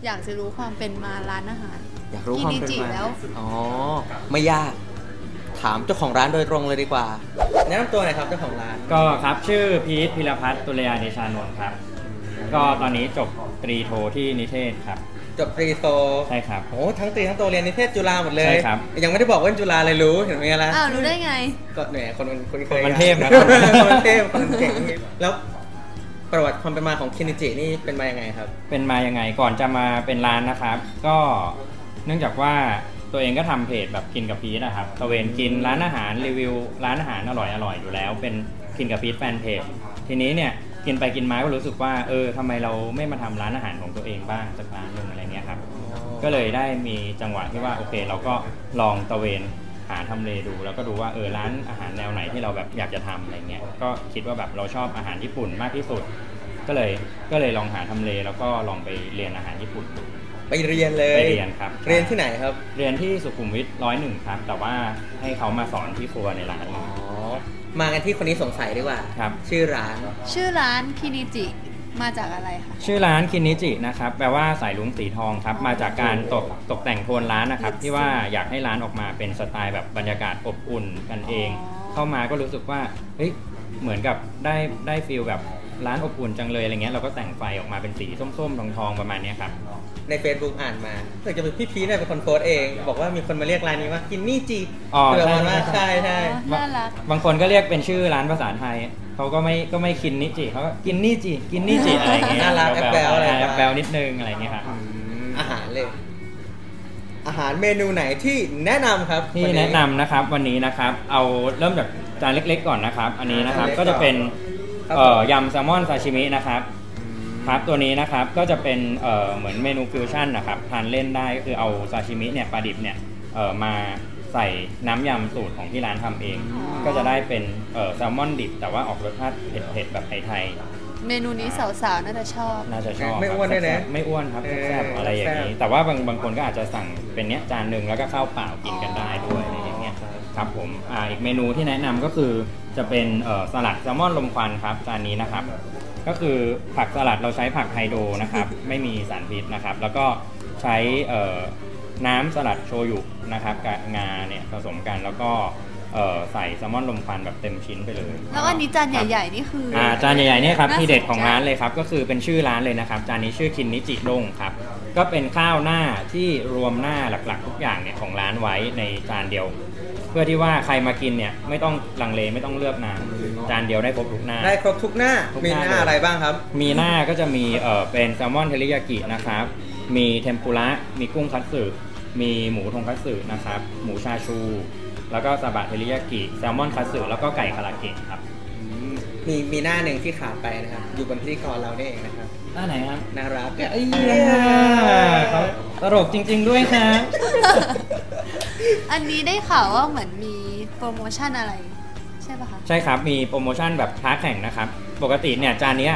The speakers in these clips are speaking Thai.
อยากจะรู้ความเป็นมาร้านอาหารอยากรู้ความเป็นมาแล้วอ๋อไม่ยากถามเจ้าของร้านโดยตรงเลยดีกว่าแนะนำตัวหน่อยครับเจ้าของร้านก็ครับชื่อพีทพิรพัฒน์ตุลยาเดชานนท์ครับก็ตอนนี้จบตรีโทที่นิเทศครับจบตรีโทใช่ครับโอ้ทั้งตรีทั้งโทเรียนนิเทศจุฬาหมดเลยใช่ครับยังไม่ได้บอกว่าจุฬาเลยรู้เห็นไหมล่ะอ้าวรู้ได้ไงก็เนี่ยคนเคยมันเทพนะคนเทพคนเก่งแล้วประวัติความเป็นมาของคินิจินี่เป็นมายังไงครับเป็นมายังไงก่อนจะมาเป็นร้านนะครับก็เนื่องจากว่าตัวเองก็ทำเพจแบบกินกับพีทนะครับตะเวนกินร้านอาหารรีวิวร้านอาหารอร่อยอยู่แล้วเป็นกินกับพีทแฟนเพจทีนี้เนี่ยกินไปกินมาก็รู้สึกว่าทำไมเราไม่มาทำร้านอาหารของตัวเองบ้างสักร้านหนึ่งอะไรเงี้ยครับก็เลยได้มีจังหวะที่ว่าโอเคเราก็ลองตะเวนหาทำเลดูแล้วก็ดูว่าร้านอาหารแนวไหนที่เราแบบอยากจะทำอะไรเงี้ยก็คิดว่าแบบเราชอบอาหารญี่ปุ่นมากที่สุดก็เลยลองหาทำเลแล้วก็ลองไปเรียนอาหารญี่ปุ่นดูไปเรียนเลยไปเรียนครับเรียนที่ไหนครับเรียนที่สุขุมวิท101ครับแต่ว่าให้เขามาสอนที่ครัวในร้านมากันที่คนนี้สงสัยดีกว่าครับชื่อร้านคินิจิมาจากอะไรคะชื่อร้านคินิจินะครับแปลว่าสายลุงสีทองครับมาจากการตกแต่งโทนร้านนะครับที่ว่าอยากให้ร้านออกมาเป็นสไตล์แบบบรรยากาศอบอุ่นกันเองเข้ามาก็รู้สึกว่าเฮ้ยเหมือนกับได้ฟีลแบบร้านอบอุ่นจังเลยอะไรเงี้ยเราก็แต่งไฟออกมาเป็นสีส้มๆทองๆประมาณนี้ครับใน Facebook อ่านมาเกิดจะเป็นพี่พีเนี่ยเป็นคนโพสเองบอกว่ามีคนมาเรียกร้านนี้ว่ากินนี่จีคือประมาณว่าใช่บางคนก็เรียกเป็นชื่อร้านภาษาไทยเขาก็ไม่กินนิจิเขาก็กินนี่จีกินนี่จีอะไรเงี้ยน่ารักแอบแบลอะไรแอบแบลนิดนึงอะไรเงี้ยครับอาหารเลยอาหารเมนูไหนที่แนะนำครับที่แนะนำนะครับวันนี้นะครับเอาเริ่มจากจานเล็กๆก่อนนะครับอันนี้นะครับก็จะเป็นยำแซลมอนซาชิมินะครับครับตัวนี้นะครับก็จะเป็นเหมือนเมนูฟิวชั่นนะครับทานเล่นได้ก็คือเอาซาชิมิเนี่ยปลาดิบเนี่ยมาใส่น้ำยำสูตรของที่ร้านทำเองก็จะได้เป็นแซลมอนดิบแต่ว่าออกรสชาติเผ็ดๆแบบไทยๆเมนูนี้สาวๆน่าจะชอบไม่อ้วนด้วยนะไม่อ้วนครับแซ่บอะไรอย่างนี้แต่ว่าบางคนก็อาจจะสั่งเป็นเนี้ยจานหนึ่งแล้วก็ข้าวเปล่ากินกันได้ด้วยอะไรอย่างเงี้ยครับผมอีกเมนูที่แนะนำก็คือจะเป็นสลัดแซลมอนลมควันครับจานนี้นะครับก็คือผักสลัดเราใช้ผักไฮโดรนะครับไม่มีสารพิษนะครับแล้วก็ใช้น้ำสลัดโชยุนะครับกับงาเนี่ยผสมกันแล้วก็ใส่แซลมอนลมควันแบบเต็มชิ้นไปเลยแล้วอันนี้จานใหญ่ๆนี่คือจานใหญ่ๆนี่ครับที่เด็ดของร้านเลยครับก็คือเป็นชื่อร้านเลยนะครับจานนี้ชื่อคินนิจิด้งครับก็เป็นข้าวหน้าที่รวมหน้าหลักๆทุกอย่างเนี่ยของร้านไว้ในจานเดียวเพื่อที่ว่าใครมากินเนี่ยไม่ต้องลังเลไม่ต้องเลือกนานจานเดียวได้ครบทุกหน้าได้ครบทุกหน้ามีหน้าอะไรบ้างครับมีหน้าก็จะมีเป็นแซลมอนเทริยากินะครับมีเทมปุระมีกุ้งคัตสึมีหมูทงคัตสึนะครับหมูชาชูแล้วก็ซาบะเทริยากิแซลมอนคัตสึแล้วก็ไก่คาราเกะครับมีหน้าหนึ่งที่ขาดไปนะครับอยู่บนพิธีกรเราเนี่ยเองนะครับหน้าไหนครับน่ารักเขาตลกจริงๆด้วยครับอันนี้ได้ข่าวว่าเหมือนมีโปรโมชั่นอะไรใช่ป่ะคะใช่ครับมีโปรโมชั่นแบบท้าแข่งนะครับปกติเนี่ยจานนี้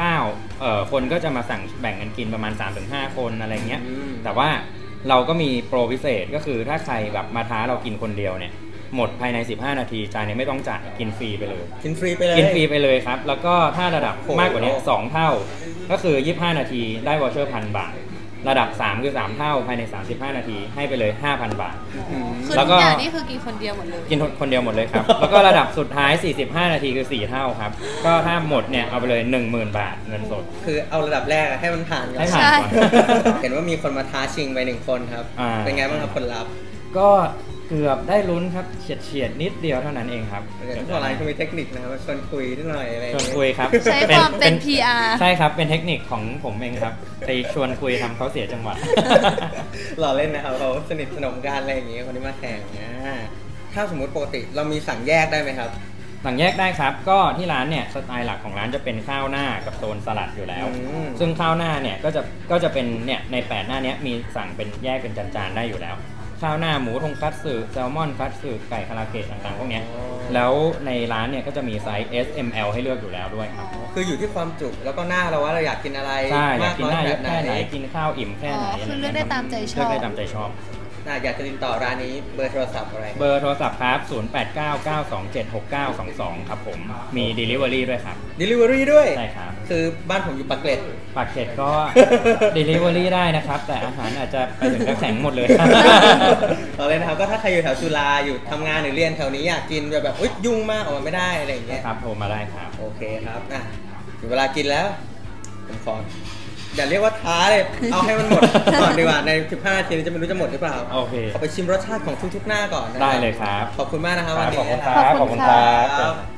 599คนก็จะมาสั่งแบ่งกันกินประมาณ 3-5 คนอะไรเงี้ยแต่ว่าเราก็มีโปรพิเศษก็คือถ้าใครแบบมาท้าเรากินคนเดียวเนี่ยหมดภายใน15 นาทีจานนี้ไม่ต้องจ่ายกินฟรีไปเลยกินฟรีไปเลยครับแล้วก็ถ้าระดับมากกว่านี้2เท่าก็คือ25 นาทีได้วอเชอร์ 1,000 บาทระดับ3คือ3เท่าภายใน35 นาทีให้ไปเลย 5,000 บาทแล้วก็อย่างนี้คือกินคนเดียวหมดเลยกินคนเดียวหมดเลยครับแล้วก็ระดับสุดท้าย45 นาทีคือ4เท่าครับก็ถ้าหมดเนี่ยเอาไปเลย 10,000 บาทเงินสดคือเอาระดับแรกให้มันผ่านก่อนเห็นว่ามีคนมาท้าชิงไป1คนครับเป็นไงบ้างครับผลลัพธ์ก็เกือบได้ลุ้นครับเฉียดนิดเดียวเท่านั้นเองครับทุกอะไรก็มีเทคนิคนะครับชวนคุยนิดหน่อยอะไรชวนคุยครับใช้ความเป็น PR ใช่ครับเป็นเทคนิคของผมเองครับไปชวนคุยทำเขาเสียจังหวะหล่อเล่นนะครับเขาสนิทสนมกันอะไรอย่างเงี้ยคนที่มาแข่งถ้าสมมติปกติเรามีสั่งแยกได้ไหมครับสั่งแยกได้ครับก็ที่ร้านเนี่ยสไตล์หลักของร้านจะเป็นข้าวหน้ากับโซนสลัดอยู่แล้วซึ่งข้าวหน้าเนี่ยก็จะเป็นเนี่ยใน8หน้านี้มีสั่งเป็นแยกเป็นจานๆได้อยู่แล้วข้าวหน้าหมูทงคัตสึแซลมอนคัตสึไก่คาราเกะต่างๆพวกนี้แล้วในร้านเนี่ยก็จะมีไซส์ S M L ให้เลือกอยู่แล้วด้วยครับคืออยู่ที่ความจุแล้วก็หน้าเราว่าเราอยากกินอะไรใช่อยากกินหน้าแค่ไหนกินข้าวอิ่มแค่ไหนคือเลือกได้ตามใจชอบเลือกได้ตามใจชอบอยากจะติดต่อร้านนี้เบอร์โทรศัพท์อะไรเบอร์โทรศัพท์ครับ 0899276922 ครับผม มี Delivery ด้วยครับ Delivery ด้วยใช่ครับคือบ้านผมอยู่ปากเกร็ดปากเกร็ดก็ Delivery ได้นะครับ แต่อาหารอาจจะไปถึงกระแข็งหมดเลยต่อเลยนะครับก็ถ้าใครอยู่แถวจุฬาอยู่ทำงานหรือเรียนแถวนี้อยากกินแบบอุ๊ยยุ่งมากออกมาไม่ได้อะไรอย่างเงี้ยครับโทรมาได้ครับโอเคครับถึงเวลากินแล้วผมขออย่าเรียกว่าท้าเลย เอาให้มันหมด ก่อนดีกว่าใน15 นาทีนี้จะไม่รู้จะหมดหรือเปล่าโอเคขอไปชิมรสชาติของทุกๆหน้าก่อนนะได้เลยครับขอบคุณมากนะครับวันนี้ขอบคุณครับขอบคุณครับครับ